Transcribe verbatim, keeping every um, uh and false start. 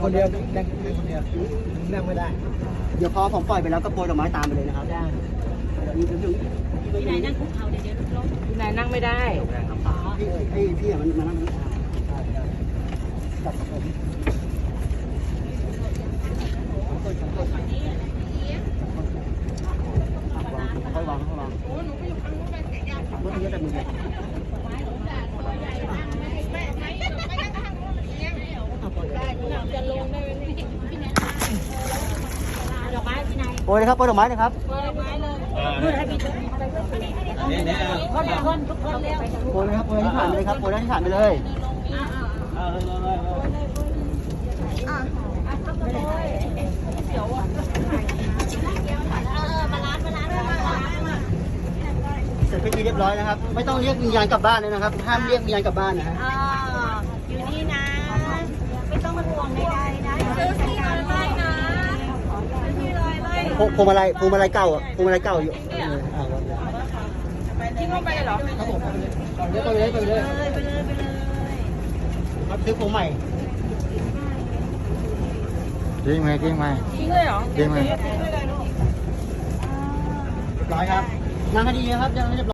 คนเดียวนั่งคนเดียวนั่งไม่ได้เดี๋ยวพอผมปล่อยไปแล้วก็โปรยดอกไม้ตามไปเลยนะครับได้เดี๋ยวนี้ถึงพี่นายนั่งคุกเข่าเดี๋ยวเดี๋ยวล้มพี่นายนั่งไม่ได้พี่ไอ้พี่มันมานั่งจับผมค่อยวางค่อยวางโอ้หนูไปอยู่ข้างนู้นไปเสียยากเมื่อกี้แต่มือจะลงได้ไหมพี่นายดอกไม้พี่นายโปรยเลยครับโปรยดอกไม้เลยครับดอกไม้เลยเพื่อให้พี่ทุกคนทุกคนทุกคนเร็วโปรยเลยครับโปรยที่ผ่านไปเลยครับโปรยที่ผ่านไปเลยอ่าอ่าเข้าไปเลยเสียวอ่ะเออมาล้างมาล้างมาล้างมาเสร็จพิธีเรียบร้อยนะครับไม่ต้องเรียกวิญญาณกลับบ้านเลยนะครับห้ามเรียกวิญญาณกลับบ้านนะฮะอ่าอยู่นี่นะไม่ต้องมาห่วงใดๆนะซื้อที่ลอยไล่นะซื้อที่ลอยไล่พวงพวงมาลัยพวงมาลัยเก่าอ่ะพวงมาลัยเก่าอยู่อ่าทิ้งลงไปเลยเหรอครับผมเดี๋ยวไปเลยไปเลยไปเลยไปเลยไปเลยครับซื้อพวงใหม่ทิ้งไหมทิ้งไหมทิ้งเลยเหรอทิ้งไหมเรียบร้อยครับนั่งให้ดีนะครับยังไม่เรียบร้อย